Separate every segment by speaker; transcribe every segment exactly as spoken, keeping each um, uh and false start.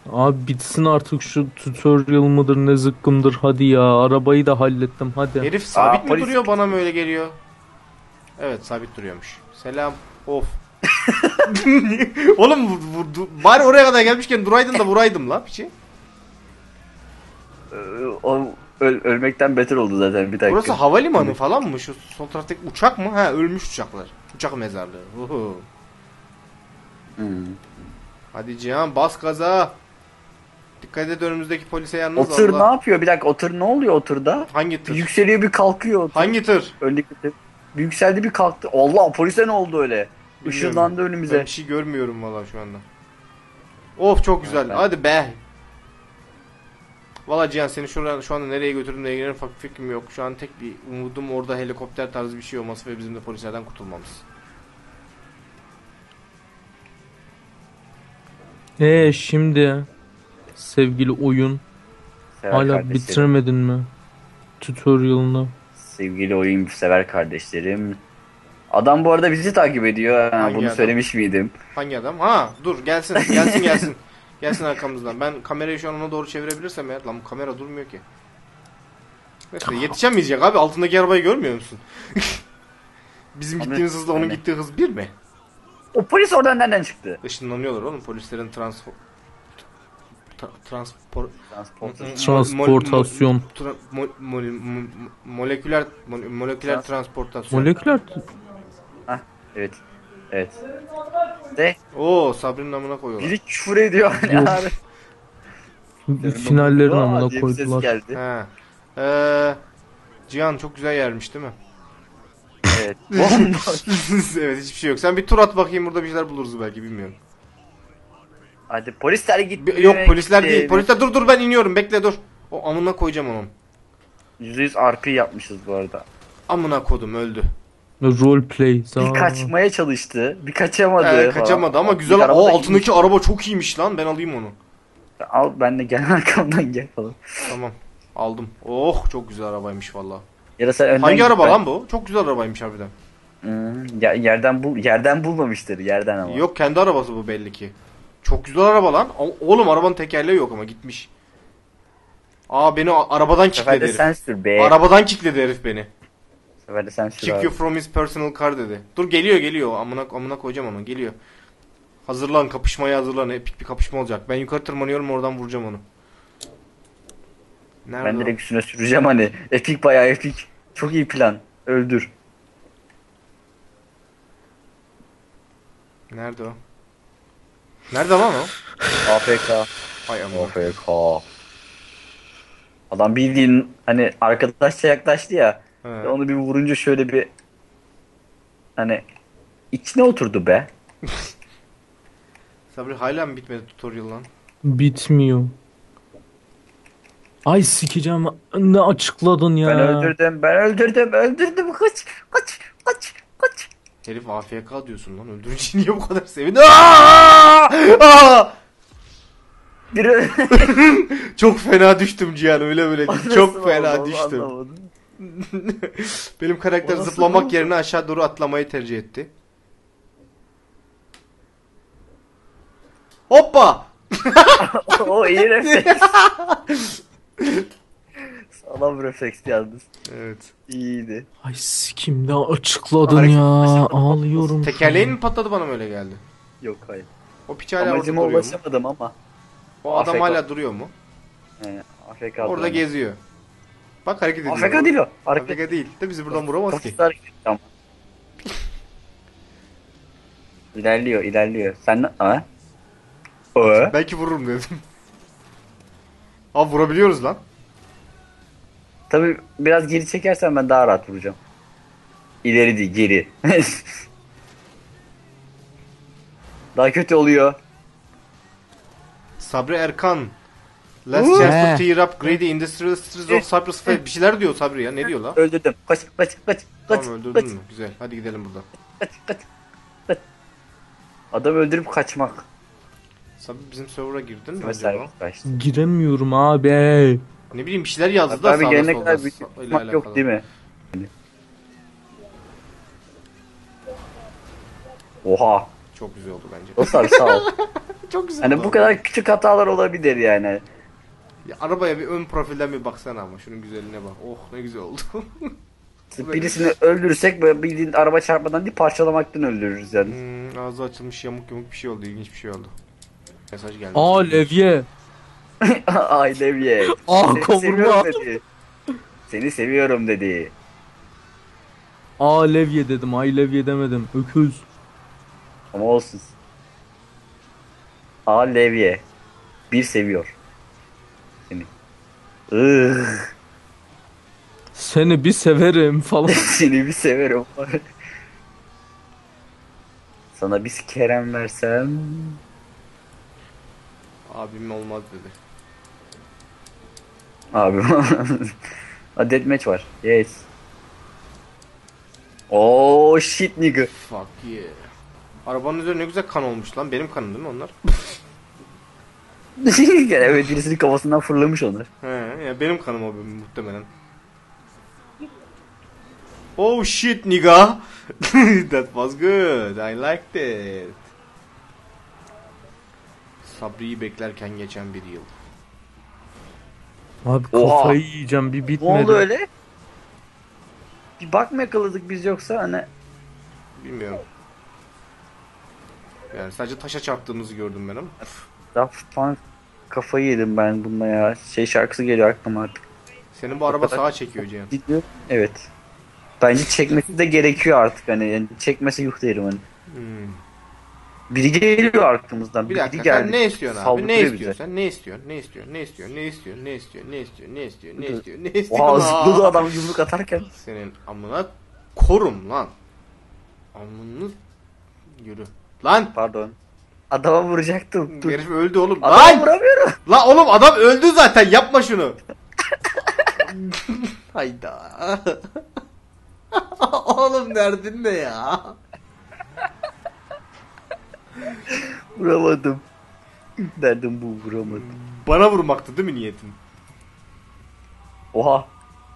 Speaker 1: Abi bitsin artık şu tutorial mıdır ne zıkkımdır, hadi ya, arabayı da hallettim hadi.
Speaker 2: Herif
Speaker 3: Aa
Speaker 2: sabit mi
Speaker 3: polis.
Speaker 2: duruyor, bana mı öyle geliyor? Evet, sabit duruyormuş. Selam. Of. Oğlum bu- bu- du- bari oraya kadar gelmişken duraydın da vuraydım la piçi.
Speaker 3: Ee, o öl- ölmekten beter oldu zaten bir dakika.
Speaker 2: Burası havalimanı falan mı? Şu sol taraftaki uçak mı? Ha, ölmüş uçaklar. Uçak mezarlığı. Uhu.
Speaker 3: Hmm.
Speaker 2: Hadi Cihan, bas gaza. Dikkat et, önümüzdeki polise
Speaker 3: O
Speaker 2: yalnız
Speaker 3: tır ne
Speaker 2: Allah.
Speaker 3: yapıyor? Bir dakika o tır ne oluyor o tırda?
Speaker 2: Hangi
Speaker 3: Bir
Speaker 2: tır?
Speaker 3: yükseliyor bir kalkıyor o tır.
Speaker 2: Hangi tır?
Speaker 3: Öndeki tır. Bir yükseldi bir kalktı. Allah polise ne oldu öyle?
Speaker 2: Bilmiyorum.
Speaker 3: Işınlandı
Speaker 2: Ben
Speaker 3: önümüze.
Speaker 2: bir şey görmüyorum valla şu anda. Of, çok güzel.
Speaker 3: Ben-
Speaker 2: Hadi be. Valla Cihan, seni şuradan şu anda nereye götürdüğümle ilgili ufak bir fikrim yok. Şu an tek bir umudum orada helikopter tarzı bir şey olması ve bizim de polislerden kurtulmamız.
Speaker 1: Eee şimdi sevgili oyun,
Speaker 3: Sever
Speaker 1: hala
Speaker 3: kardeşlerim.
Speaker 1: bitirmedin mi tutorial'ını?
Speaker 3: Sevgili oyun sever kardeşlerim. Adam bu arada bizi takip ediyor. Ha,
Speaker 2: Hangi
Speaker 3: bunu
Speaker 2: adam?
Speaker 3: söylemiş miydim?
Speaker 2: Hangi adam? Ha, dur gelsin gelsin gelsin. Gelsin arkamızdan. Ben kamerayı şu an ona doğru çevirebilirsem eğer. Lan bu kamera durmuyor ki. Neyse, yetişemeyecek abi, altındaki arabayı görmüyor musun? Bizim
Speaker 3: Abi,
Speaker 2: gittiğimiz hızla onun
Speaker 3: yani.
Speaker 2: gittiği hız bir mi?
Speaker 3: O polis oradan nereden çıktı?
Speaker 2: Işınlanıyorlar oğlum polislerin transfor... Tra- transpor...
Speaker 3: Transporter.
Speaker 1: Transportasyon.
Speaker 2: Tra- mo- mo- mo- moleküler mo- moleküler
Speaker 3: Trans-
Speaker 2: transportasyon.
Speaker 1: Moleküler
Speaker 3: Hah evet. Evet. De
Speaker 2: Oo, Sabri'nin amına koyuyorlar.
Speaker 3: biri küfür ediyor.
Speaker 1: Yok.
Speaker 3: Yani.
Speaker 1: finallerin
Speaker 3: Aa
Speaker 1: amına
Speaker 3: diye bir ses
Speaker 1: koydular.
Speaker 3: geldi.
Speaker 2: He. Ee, Cihan çok güzel yermiş değil mi?
Speaker 3: Evet. Bomboş.
Speaker 2: Evet, hiçbir şey yok. Sen bir tur at bakayım, burada bir şeyler buluruz belki, bilmiyorum.
Speaker 3: Hadi polisler gitti.
Speaker 2: Bir- yok polisler
Speaker 3: gitti.
Speaker 2: değil. Polisler, dur dur ben iniyorum, bekle dur. O amına koyacağım onun.
Speaker 3: yüzde yüz R P yapmışız bu arada.
Speaker 2: Amına kodum öldü.
Speaker 1: Roleplay.
Speaker 3: Bir
Speaker 1: Za-
Speaker 3: kaçmaya çalıştı. Bir kaçamadı.
Speaker 2: Ee,
Speaker 3: falan.
Speaker 2: kaçamadı ama
Speaker 3: Bir
Speaker 2: güzel.
Speaker 3: araba
Speaker 2: O
Speaker 3: da
Speaker 2: altındaki
Speaker 3: iyiymiş.
Speaker 2: araba çok iyiymiş lan, ben alayım onu.
Speaker 3: Al ben de gel arkamdan gel falan.
Speaker 2: Tamam, aldım. Oh, çok güzel arabaymış valla.
Speaker 3: Ya da sen önden
Speaker 2: Hangi
Speaker 3: git,
Speaker 2: araba
Speaker 3: ben-
Speaker 2: lan bu? Çok güzel arabaymış harbiden.
Speaker 3: Hmm, ya- yerden bul yerden bulmamıştır yerden ama.
Speaker 2: Yok, kendi arabası bu belli ki. Çok güzel araba lan. O- Oğlum arabanın tekerleği yok ama gitmiş. Aa, beni a- arabadan
Speaker 3: Bu sefer
Speaker 2: kickledi
Speaker 3: de
Speaker 2: herif.
Speaker 3: sen sür be.
Speaker 2: Arabadan kickledi herif beni.
Speaker 3: Bu sefer de sen sür
Speaker 2: Kick
Speaker 3: abi.
Speaker 2: you from his personal car dedi. Dur, geliyor geliyor. Amına amına koyacağım onu. Geliyor. Hazırlan, kapışmaya hazırlan. Epik bir kapışma olacak. Ben yukarı tırmanıyorum, oradan vuracağım onu. Nerede
Speaker 3: Ben
Speaker 2: o?
Speaker 3: direkt üstüne süreceğim hani. Epik bayağı epik. Çok iyi plan. Öldür.
Speaker 2: Nerede o? Nerede lan o?
Speaker 3: A F K.
Speaker 2: Ay amına.
Speaker 3: A F K. Adam bildiğin hani arkadaşça yaklaştı ya.
Speaker 2: He.
Speaker 3: Ve onu bir vurunca şöyle bir hani içine oturdu be.
Speaker 2: Sabri, hala mı bitmedi tutorial lan?
Speaker 1: Bitmiyor. Ay sikeceğim, ne açıkladın ya.
Speaker 3: Ben öldürdüm, ben öldürdüm, öldürdüm. Kaç, kaç, kaç, kaç.
Speaker 2: Herif A F K diyorsun lan. Öldürünce niye bu kadar sevindi? Aa! Aa!
Speaker 3: Biri
Speaker 2: Çok fena düştüm Cihan, öyle böyle değil. Çok
Speaker 3: Nasıl
Speaker 2: fena
Speaker 3: oldu, onu
Speaker 2: düştüm.
Speaker 3: anlamadım.
Speaker 2: Benim karakter
Speaker 3: O nasıl
Speaker 2: zıplamak
Speaker 3: oldu?
Speaker 2: yerine aşağı doğru atlamayı tercih etti. Hoppa!
Speaker 3: O iyi refleks. Sağlam refleks yalnız.
Speaker 2: Evet.
Speaker 3: İyiydi.
Speaker 1: Ay sikim, ne açıkladın
Speaker 2: Hareket-
Speaker 1: ya. Ağlıyorum. şu
Speaker 2: Tekerleğin
Speaker 1: an.
Speaker 2: mi patladı, bana mı öyle geldi?
Speaker 3: Yok hayır.
Speaker 2: O piç hala orada
Speaker 3: Amacıma
Speaker 2: duruyor mu?
Speaker 3: ulaşamadım ama.
Speaker 2: O adam
Speaker 3: A F K.
Speaker 2: hala duruyor mu?
Speaker 3: He, A F K.
Speaker 2: Orada geziyor. Bak, hareket ediyor.
Speaker 3: A F K değil o. Hareket.
Speaker 2: A F K değil. De bizi buradan vuramaz ki.
Speaker 3: Kafası hareket etti ama. İlerliyor, ilerliyor. Sen ne? Ha? O?
Speaker 2: Belki vururum dedim. Abi vurabiliyoruz lan.
Speaker 3: Tabii biraz geri çekersen ben daha rahat vuracağım. İleri değil, geri. Daha kötü oluyor.
Speaker 2: Sabri Erkan. Last
Speaker 3: Uuu.
Speaker 2: chance
Speaker 1: He.
Speaker 2: to tear up greedy industries of Cyprus. Bir şeyler diyor Sabri ya. Ne diyor lan?
Speaker 3: Öldürdüm. Kaç, kaç, kaç, kaç,
Speaker 2: Tamam, öldürdün
Speaker 3: kaç,
Speaker 2: mü? Güzel. Hadi gidelim buradan.
Speaker 3: kaç, kaç, kaç. Adam öldürüp kaçmak.
Speaker 2: Sabri, bizim server'a girdin mi
Speaker 3: Mesela
Speaker 2: acaba?
Speaker 3: kaçtı.
Speaker 1: Giremiyorum abi.
Speaker 2: Ne bileyim, bir şeyler yazdı da
Speaker 3: Abi
Speaker 2: sağda
Speaker 3: gelene
Speaker 2: solda.
Speaker 3: kadar bir
Speaker 2: Sa- ile
Speaker 3: tutmak
Speaker 2: alakalı.
Speaker 3: yok değil mi? Oha.
Speaker 2: Çok güzel oldu bence.
Speaker 3: Dostlar sağ ol.
Speaker 2: Çok güzel
Speaker 3: Hani
Speaker 2: oldu
Speaker 3: bu
Speaker 2: ama.
Speaker 3: kadar küçük hatalar olabilir yani.
Speaker 2: Ya, arabaya bir ön profilden bir baksana ama şunun güzelliğine bak. Oh ne güzel oldu.
Speaker 3: Birisini öldürürsek böyle bildiğin araba çarpmadan değil parçalamaktan öldürürüz yani.
Speaker 2: Hmm, ağzı açılmış yamuk yamuk bir şey oldu. İlginç bir şey oldu. Mesaj gelmiş.
Speaker 1: Aa levye.
Speaker 3: Ay Levye.
Speaker 1: Aa
Speaker 3: Seni seviyorum
Speaker 1: kavurma.
Speaker 3: dedi. Seni seviyorum dedi.
Speaker 1: Aa levye dedim. Ay levye demedim. Öküz.
Speaker 3: Ama olsun. A Levye. Bir seviyor. Seni. Ih,
Speaker 1: Seni bir severim falan.
Speaker 3: seni bir severim. Sana bir kerem versem.
Speaker 2: Abim olmaz dedi.
Speaker 3: Abi. A deathmatch var. Yes. Oh shit nigga.
Speaker 2: Fuck yeah. Arabanın üzerine ne güzel kan olmuş lan. Benim kanım değil mi onlar?
Speaker 3: Evet birisinin kafasından fırlamış onlar.
Speaker 2: He, ya benim kanım o benim, muhtemelen. Oh shit nigga. That was good. I liked it. Sabri'yi beklerken geçen bir yıl.
Speaker 1: Abi
Speaker 3: Oha.
Speaker 1: kafayı yiyeceğim bir
Speaker 3: Ne
Speaker 1: bitmedi.
Speaker 3: oldu öyle? Bir bak mı yakaladık biz yoksa hani
Speaker 2: Bilmiyorum. Yani sadece taşa çarptığımızı gördüm ben ama.
Speaker 3: Daft Punk kafayı yedim ben bununla ya. Şey şarkısı geliyor aklıma artık.
Speaker 2: Senin bu araba sağa çekiyor Cihan.
Speaker 3: Gidiyor. Evet. Bence çekmesi de gerekiyor artık hani. Yani çekmese yuh derim hani.
Speaker 2: Hmm.
Speaker 3: Biri geliyor arkamızdan.
Speaker 2: Bir
Speaker 3: Biri
Speaker 2: dakika
Speaker 3: geldi.
Speaker 2: sen ne istiyorsun abi? Ne
Speaker 3: Saldırıyor
Speaker 2: istiyorsun
Speaker 3: bize.
Speaker 2: sen? Ne istiyorsun? Ne istiyorsun? Ne istiyorsun? Ne istiyorsun? Ne istiyorsun? Ne istiyorsun? Ne istiyorsun? Ne istiyorsun? Ne istiyorsun?
Speaker 3: Oha
Speaker 2: Aa!
Speaker 3: zıpladı adam yumruk atarken.
Speaker 2: Senin amına korum lan. Amını yürü. Lan!
Speaker 3: Pardon. Adama vuracaktım. Dur.
Speaker 2: Herif öldü oğlum.
Speaker 3: Adama
Speaker 2: Lan!
Speaker 3: vuramıyorum.
Speaker 2: Lan oğlum adam öldü zaten. Yapma şunu. Hayda. Oğlum derdin ne ya?
Speaker 3: Vuramadım. Derdim bu vuramadım.
Speaker 2: Bana vurmaktı değil mi niyetin?
Speaker 3: Oha.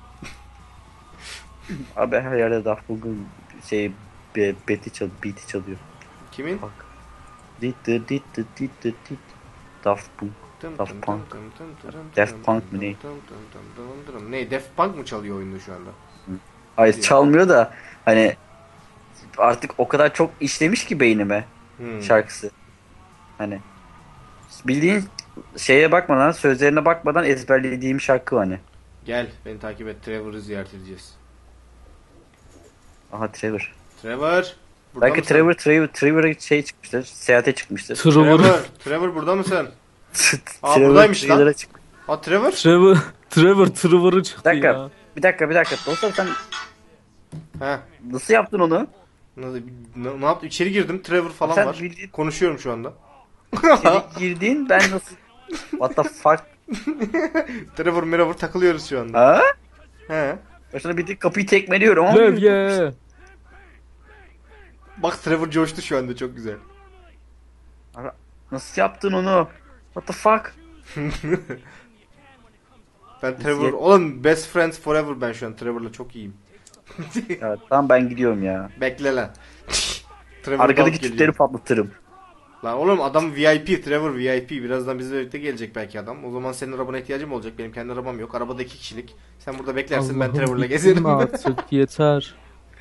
Speaker 3: Abi her yerde Daft Punk'un şey be, beti çal, beat'i çalıyor.
Speaker 2: Kimin?
Speaker 3: Bak. Dit dit dit dit dit dit dit. Daft Punk. Daft Punk. Daft Punk mı ne?
Speaker 2: Ne? Daft Punk mı çalıyor oyunda şu anda?
Speaker 3: Hayır çalmıyor da hani artık o kadar çok işlemiş ki beynime
Speaker 2: Hmm.
Speaker 3: şarkısı. Hani bildiğin şeye bakmadan sözlerine bakmadan ezberlediğim şarkı hani.
Speaker 2: Gel beni takip et. Trevor'ı ziyaret edeceğiz.
Speaker 3: Aha Trevor.
Speaker 2: Trevor. Burada
Speaker 3: Belki
Speaker 2: mısın?
Speaker 3: Trevor Trevor Trevor'a şey çıkmıştır. Seyahate çıkmıştır.
Speaker 1: Trevor.
Speaker 2: Trevor. Trevor burada mısın? Aa,
Speaker 3: Trevor
Speaker 2: buradaymış lan.
Speaker 3: Trevor'a çık-
Speaker 2: Aa Trevor.
Speaker 1: Trevor. Trevor Trevor'ı
Speaker 3: Bir
Speaker 1: çıktı
Speaker 3: dakika.
Speaker 1: ya.
Speaker 3: Bir dakika bir dakika. Dostum sen
Speaker 2: He.
Speaker 3: nasıl yaptın onu?
Speaker 2: Nasıl, ne, ne yaptım? İçeri girdim. Trevor falan
Speaker 3: Sen
Speaker 2: var.
Speaker 3: bildiğin-
Speaker 2: Konuşuyorum şu anda.
Speaker 3: İçeri girdin ben nasıl? What the fuck?
Speaker 2: Trevor Merevor takılıyoruz şu anda.
Speaker 3: Ha?
Speaker 2: He.
Speaker 3: Başına bir tek kapıyı tekmeliyorum ama.
Speaker 1: Levye.
Speaker 2: Bak Trevor coştu şu anda çok güzel.
Speaker 3: Ara- Nasıl yaptın onu? What the fuck?
Speaker 2: Ben Trevor... Oğlum best friends forever ben şu an. Trevor'la çok iyiyim.
Speaker 3: Ya tamam ben gidiyorum ya.
Speaker 2: Bekle lan. Trevor
Speaker 3: Arkadaki
Speaker 2: Dunk
Speaker 3: tüpleri
Speaker 2: geliyor.
Speaker 3: patlatırım.
Speaker 2: Lan oğlum adam V I P. Trevor V I P. Birazdan bizle birlikte gelecek belki adam. O zaman senin arabana ihtiyacım olacak. Benim kendi arabam yok. Arabada iki kişilik. Sen burada beklersin ben
Speaker 1: Allah'ım
Speaker 2: Trevor'la
Speaker 1: bittin
Speaker 2: gezerim.
Speaker 1: mi artık yeter.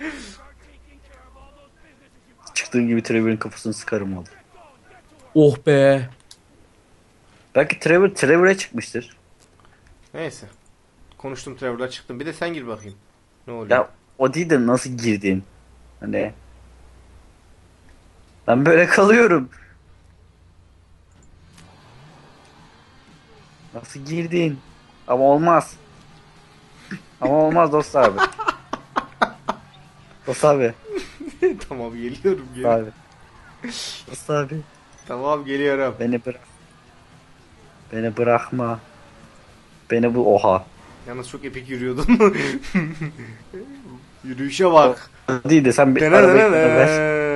Speaker 3: Çıktığım gibi Trevor'ın kafasını sıkarım oldu.
Speaker 1: Oh be.
Speaker 3: Belki Trevor Trevor'a çıkmıştır.
Speaker 2: Neyse. Konuştum Trevor'la çıktım. Bir de sen gir bakayım. Ne oluyor?
Speaker 3: Ya o değil de nasıl girdin? Hani ben böyle kalıyorum. Nasıl girdin? Ama olmaz. Ama olmaz dost abi. Dost abi.
Speaker 2: Tamam geliyorum.
Speaker 3: Dost
Speaker 2: geliyorum.
Speaker 3: abi. Dost abi.
Speaker 2: Tamam geliyorum.
Speaker 3: Beni bırak. Beni bırakma. Beni bu oha.
Speaker 2: Yalnız çok epik yürüyordun. Yürüyüşe bak.
Speaker 3: O değil de sen bir arabayı bana ver.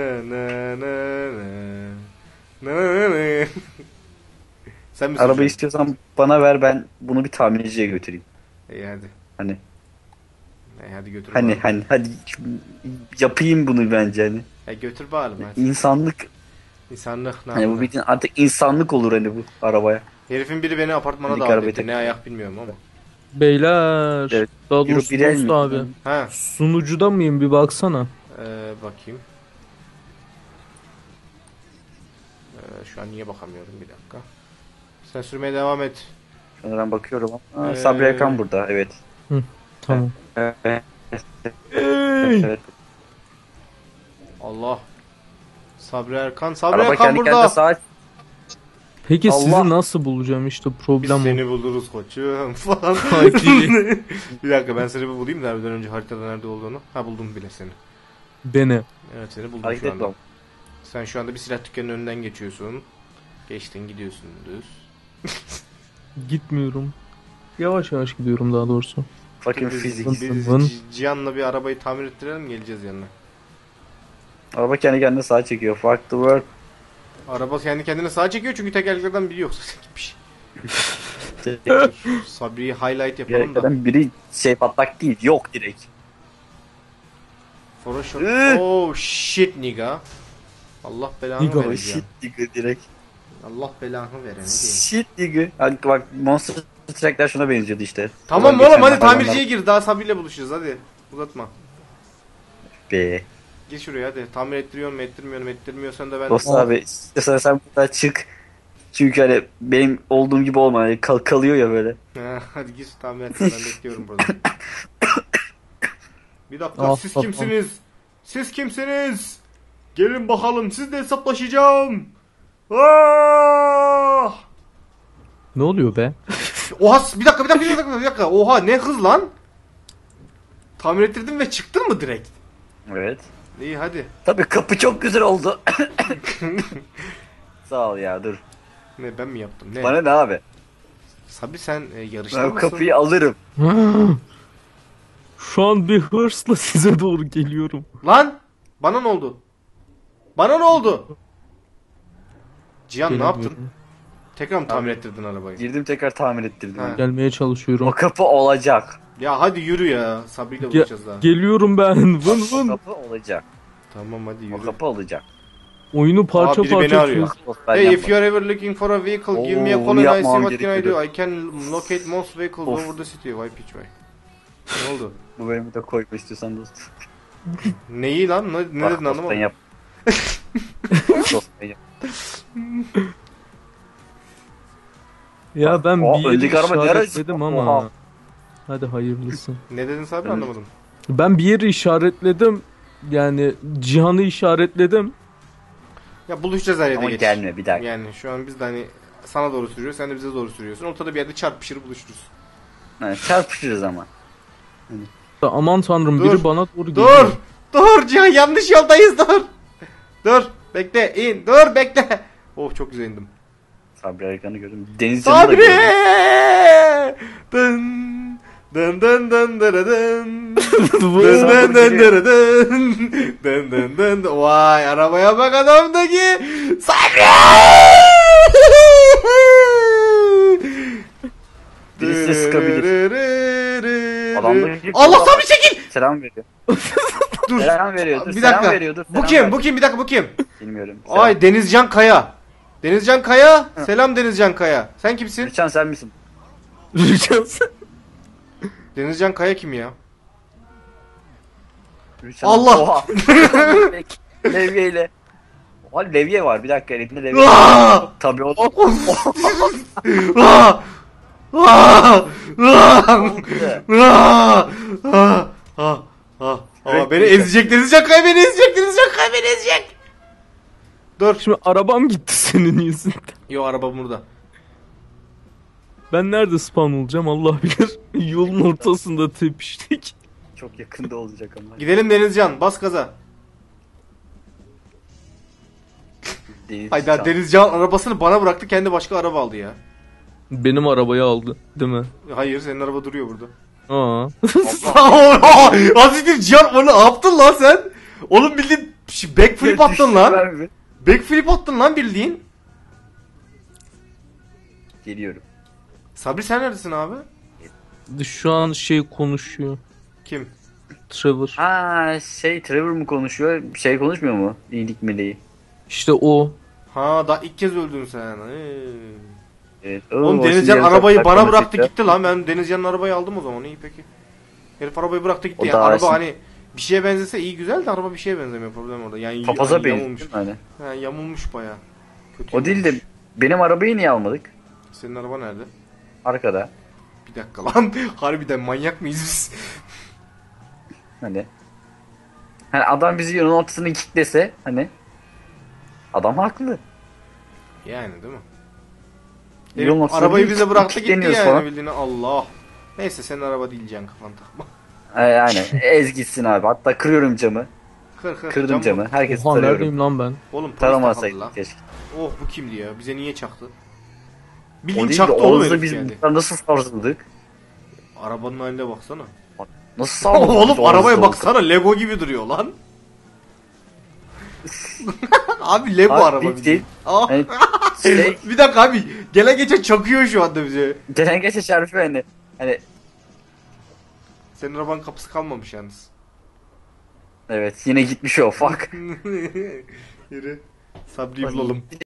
Speaker 2: Sen mi
Speaker 3: Arabayı
Speaker 2: süreceksin?
Speaker 3: istiyorsan bana ver ben bunu bir tamirciye götüreyim.
Speaker 2: İyi hadi.
Speaker 3: Hani
Speaker 2: İyi hadi götür
Speaker 3: hani
Speaker 2: bakalım.
Speaker 3: hani hadi yapayım bunu bence hani.
Speaker 2: Ya götür bakalım hadi.
Speaker 3: İnsanlık
Speaker 2: İnsanlık
Speaker 3: Hani bu
Speaker 2: namına.
Speaker 3: bildiğin artık insanlık olur hani bu arabaya.
Speaker 2: Herifin biri beni apartmana
Speaker 3: Minik
Speaker 2: davet
Speaker 3: arabayı
Speaker 2: etti.
Speaker 3: tak-
Speaker 2: Ne ayak bilmiyorum ama.
Speaker 1: Beyler.
Speaker 3: Evet.
Speaker 1: Daha
Speaker 3: Euro
Speaker 1: doğrusu
Speaker 3: bir el
Speaker 1: dost
Speaker 3: mi?
Speaker 1: abi.
Speaker 2: Ha,
Speaker 1: Sunucuda mıyım bir baksana.
Speaker 2: ee, bakayım. Ee, şu an niye bakamıyorum, bir dakika. Sen sürmeye devam et.
Speaker 3: Şuna ben bakıyorum ama. Aa,
Speaker 2: Ee,
Speaker 3: Sabri Erkan burada evet.
Speaker 1: Tamam.
Speaker 3: Evet.
Speaker 1: Ey!
Speaker 3: evet.
Speaker 2: Allah. Sabri Erkan. Sabri
Speaker 3: Araba
Speaker 2: Erkan
Speaker 3: kendi kendine
Speaker 2: burada.
Speaker 3: sağa
Speaker 1: Peki
Speaker 3: Allah.
Speaker 1: sizi nasıl bulacağım işte
Speaker 2: Biz
Speaker 1: problem o.
Speaker 2: seni buluruz koçum falan.
Speaker 1: Hadi.
Speaker 2: Bir dakika, ben seni bir bulayım da abiden önce haritada nerede olduğunu. Ha, buldum bile seni.
Speaker 1: Beni.
Speaker 2: Evet, seni buldum
Speaker 3: hareket
Speaker 2: şu anda.
Speaker 3: etmem.
Speaker 2: Sen şu anda bir silah dükkanının önünden geçiyorsun. Geçtin, gidiyorsun düz.
Speaker 1: Gitmiyorum. Yavaş yavaş gidiyorum daha doğrusu.
Speaker 3: Fucking
Speaker 2: Biz,
Speaker 3: fizik.
Speaker 2: biz
Speaker 1: Vın.
Speaker 2: C- Cihan'la bir arabayı tamir ettirelim, geleceğiz yanına.
Speaker 3: Araba kendi kendine sağa çekiyor. Fuck the world.
Speaker 2: Araba kendi kendine sağa çekiyor çünkü tekerleklerden biri yok. Gitmiş. Sabri'yi highlight yapalım da.
Speaker 3: Gereklerden biri şey patlak değil. Yok direkt.
Speaker 2: For a shot.
Speaker 3: Üh!
Speaker 2: Oh shit nigga. Allah belanı
Speaker 1: Nigga,
Speaker 2: vereceğim.
Speaker 3: Shit nigga direkt.
Speaker 2: Allah belanı vereni değil.
Speaker 3: Shit nigga. Hadi bak Monster Truck'lar şuna benziyordu işte.
Speaker 2: Tamam
Speaker 3: Ulan
Speaker 2: oğlum,
Speaker 3: geçen
Speaker 2: hadi
Speaker 3: hayvanlar-
Speaker 2: tamirciye gir. Daha Sabri'yle buluşacağız, hadi. Uzatma.
Speaker 3: Be.
Speaker 2: Gir şuraya hadi. Tamir ettiriyor mu, ettirmiyor mu, ettirmiyorsan da ben...
Speaker 3: Dost abi istiyorsan sen buradan çık. Çünkü hani benim olduğum gibi olma. Hani kal kalıyor ya böyle.
Speaker 2: Ha, hadi gir tamir et. Ben bekliyorum burada. Bir dakika,
Speaker 1: Ah,
Speaker 2: siz
Speaker 1: ah,
Speaker 2: kimsiniz? Siz kimsiniz? Gelin bakalım, sizle hesaplaşacağım. Ah!
Speaker 1: Ne oluyor be?
Speaker 2: Oha, bir dakika bir dakika bir dakika bir dakika. Oha, ne hız lan? Tamir ettirdin ve çıktın mı direkt?
Speaker 3: Evet.
Speaker 2: İyi hadi.
Speaker 3: Tabii kapı çok güzel oldu. Sağ ol ya dur.
Speaker 2: Ne, ben mi yaptım? Ne?
Speaker 3: Bana ne abi?
Speaker 2: Sabri sen e, yarışta
Speaker 3: Ben
Speaker 2: mısın?
Speaker 3: kapıyı alırım.
Speaker 1: Şu an bir hırsla size doğru geliyorum.
Speaker 2: Lan! Bana ne oldu? Bana ne oldu? Cihan ne yaptın?
Speaker 1: Gelemiyorum.
Speaker 2: Tekrar mı tamir ettirdin arabayı?
Speaker 3: Girdim tekrar tamir ettirdim.
Speaker 2: Ha.
Speaker 1: Gelmeye çalışıyorum.
Speaker 3: O kapı olacak.
Speaker 2: Ya hadi yürü ya. Sabri'yle
Speaker 1: Ge-
Speaker 2: buluşacağız daha.
Speaker 1: geliyorum ben. Vın
Speaker 3: O
Speaker 1: vın.
Speaker 3: kapı olacak.
Speaker 2: Tamam hadi
Speaker 3: O
Speaker 2: yürü.
Speaker 3: kapı olacak.
Speaker 1: Oyunu parça
Speaker 2: Aa, biri beni
Speaker 1: parça
Speaker 2: arıyor.
Speaker 1: çöz.
Speaker 3: Dost, ben
Speaker 2: Hey, if
Speaker 3: yapmadım.
Speaker 2: you are ever looking for a vehicle, give me a
Speaker 3: Oo,
Speaker 2: call
Speaker 3: bunu
Speaker 2: and I see
Speaker 3: yapmam
Speaker 2: what can I do.
Speaker 3: gerekiyordu.
Speaker 2: I can locate most vehicles
Speaker 3: Of.
Speaker 2: over the city. Why pitch why? Ne oldu?
Speaker 3: Bu bölümü de koyma istiyorsan dost.
Speaker 2: Neyi lan? Ne, ne
Speaker 3: Bak,
Speaker 2: dedin
Speaker 3: dost, ben
Speaker 2: anlamadım.
Speaker 3: yap. Dost, ben yap.
Speaker 1: Ya ben
Speaker 3: Aa,
Speaker 1: bir yeri
Speaker 3: öndeki araba ne ara-
Speaker 1: işaretledim ama.
Speaker 3: Oha.
Speaker 1: Hadi hayırlısı.
Speaker 2: Ne dedin Sabri,
Speaker 3: Evet.
Speaker 2: anlamadım.
Speaker 1: Ben bir yeri işaretledim. Yani Cihan'ı işaretledim.
Speaker 2: Ya buluşacağız her yerde
Speaker 3: Ama
Speaker 2: geç.
Speaker 3: gelme bir dakika.
Speaker 2: Yani şu an biz de hani sana doğru sürüyoruz, sen de bize doğru sürüyorsun. Ortada bir yerde çarpışır buluşuruz.
Speaker 3: Yani çarpışırız ama.
Speaker 1: Aman tanrım
Speaker 2: Dur.
Speaker 1: biri bana doğru
Speaker 2: Dur!
Speaker 1: geliyor.
Speaker 2: Dur Cihan, yanlış yoldayız, dur! Dur! Bekle, in, dur bekle! Oh, çok güzel indim.
Speaker 3: Sabri Erkan'ı gördüm. Deniz Can'ı da
Speaker 2: Sabri!
Speaker 3: gördüm.
Speaker 2: Dın! Dın dın dın dın dın dın.
Speaker 1: Bu-
Speaker 2: Dın dın dın dın dın. Dın dın dın dın. Vay, arabaya bak adamdaki. Sabri!
Speaker 3: Birisi de sıkabilir. Adamdaki-
Speaker 2: Allah, Sabri çekil!
Speaker 3: Selam veriyor.
Speaker 2: Dur.
Speaker 3: Selam veriyor. Dur.
Speaker 2: Bir
Speaker 3: Selam
Speaker 2: dakika.
Speaker 3: veriyor. Dur.
Speaker 2: Bu
Speaker 3: selam
Speaker 2: kim?
Speaker 3: ver.
Speaker 2: Bu kim? Bir dakika, bu kim?
Speaker 3: Bilmiyorum. Selam.
Speaker 2: Ay, Denizcan Kaya. Denizcan Kaya. Selam Denizcan Kaya. Sen kimsin?
Speaker 3: Rüçhan sen misin?
Speaker 2: Denizcan Kaya kim ya?
Speaker 3: Rüçhan.
Speaker 2: Allah!
Speaker 3: Oha. Levyeyle. Oha levye var. Bir dakika elinde levye var.
Speaker 2: Aa!
Speaker 3: Tabii o.
Speaker 2: Aa! Aa! Aa! Aa! Aa! Aa! Aa! Aa! Beni ezecek, Denizcan Kaya beni ezecek, Denizcan Kaya beni ezecek. Dur.
Speaker 1: Şimdi arabam gitti senin yüzünden.
Speaker 2: Yo, araba burada.
Speaker 1: Ben nerede spawn olacağım Allah bilir. Yolun ortasında tepiştik.
Speaker 3: Çok yakında olacak ama.
Speaker 2: Gidelim Denizcan, bas gaza.
Speaker 3: Deniz
Speaker 2: Hayda,
Speaker 3: Can.
Speaker 2: Denizcan arabasını bana bıraktı, kendi başka araba aldı ya.
Speaker 1: Benim arabayı aldı değil mi?
Speaker 2: Hayır, senin araba duruyor burada.
Speaker 1: Aa.
Speaker 2: Aziz'dir Cihan, onu ne yaptın lan sen? Oğlum bildiğin şey, backflip attın lan.
Speaker 3: Düştüler mi?
Speaker 2: Backflip attın lan bildiğin.
Speaker 3: Geliyorum.
Speaker 2: Sabri sen neredesin abi?
Speaker 1: Şu an şey konuşuyor.
Speaker 2: Kim?
Speaker 1: Trevor.
Speaker 3: Ha şey Trevor mu konuşuyor? Şey konuşmuyor mu? İyilik meleği.
Speaker 1: İşte o.
Speaker 2: Ha daha ilk kez öldün sen. Ee.
Speaker 3: Evet.
Speaker 2: Oğlum
Speaker 3: o şimdi
Speaker 2: Denizcan
Speaker 3: yarı
Speaker 2: arabayı
Speaker 3: saat
Speaker 2: bana
Speaker 3: takmadı
Speaker 2: bıraktı
Speaker 3: tekrar.
Speaker 2: gitti lan. Ben Denizcan'ın arabayı aldım o zaman. İyi peki. Herif arabayı bıraktı gitti.
Speaker 3: O
Speaker 2: Yani
Speaker 3: daha
Speaker 2: araba
Speaker 3: şimdi-
Speaker 2: hani bir şeye benzese iyi güzel de araba bir şeye benzemiyor, problem orada. Yani
Speaker 3: Papaza
Speaker 2: hani
Speaker 3: benziyor
Speaker 2: yamulmuş.
Speaker 3: hani.
Speaker 2: Ha, yamulmuş baya. Kötü
Speaker 3: O değil de
Speaker 2: yamulmuş.
Speaker 3: benim arabayı niye almadık?
Speaker 2: Senin araba nerede?
Speaker 3: Arkada.
Speaker 2: Bir dakika lan. Harbiden manyak mıyız biz?
Speaker 3: Hani. Hani adam bizi yolun ortasını kilitlese hani. Adam haklı.
Speaker 2: Yani değil mi?
Speaker 3: Yolun
Speaker 2: Herif
Speaker 3: ortasında
Speaker 2: arabayı
Speaker 3: bir
Speaker 2: bize bıraktı gitti
Speaker 3: kilitleniyoruz
Speaker 2: yani
Speaker 3: falan.
Speaker 2: bildiğini. Allah. Neyse senin araba değil can, kafan takma.
Speaker 3: Ay, aynen. Ez gitsin abi. Hatta kırıyorum camı.
Speaker 2: Kır kır.
Speaker 3: Kırdım
Speaker 2: cam
Speaker 3: camı.
Speaker 2: vur.
Speaker 3: Herkesi
Speaker 1: Oha
Speaker 3: tarıyorum.
Speaker 1: neredeyim lan ben?
Speaker 2: Oğlum polis takıldı
Speaker 3: Taramasaydım
Speaker 2: lan.
Speaker 3: keşke.
Speaker 2: Oh bu kimdi ya? Bize niye çaktı?
Speaker 3: O
Speaker 2: Bildiğin
Speaker 3: değil de
Speaker 2: çaktı oğlum
Speaker 3: Oğuz'la
Speaker 2: herif
Speaker 3: biz
Speaker 2: geldi.
Speaker 3: bunlar nasıl sarsıldık?
Speaker 2: Arabanın haline baksana.
Speaker 3: Nasıl sarsıldık? biz
Speaker 2: Oğlum
Speaker 3: Oğuz'la
Speaker 2: arabaya
Speaker 3: Oğuz'la?
Speaker 2: baksana, Lego gibi duruyor lan. Abi Lego
Speaker 3: Abi
Speaker 2: araba
Speaker 3: bildiğin-
Speaker 2: bildiğin. Aa,
Speaker 3: Hani şey,
Speaker 2: bir dakika abi. Gele geçe çakıyor şu anda bize.
Speaker 3: gelen geçe çarpıyor hani. Hani
Speaker 2: Senin arabanın kapısı kalmamış yalnız.
Speaker 3: evet yine gitmiş o fuck.
Speaker 2: Yürü. Sabri'yi bulalım.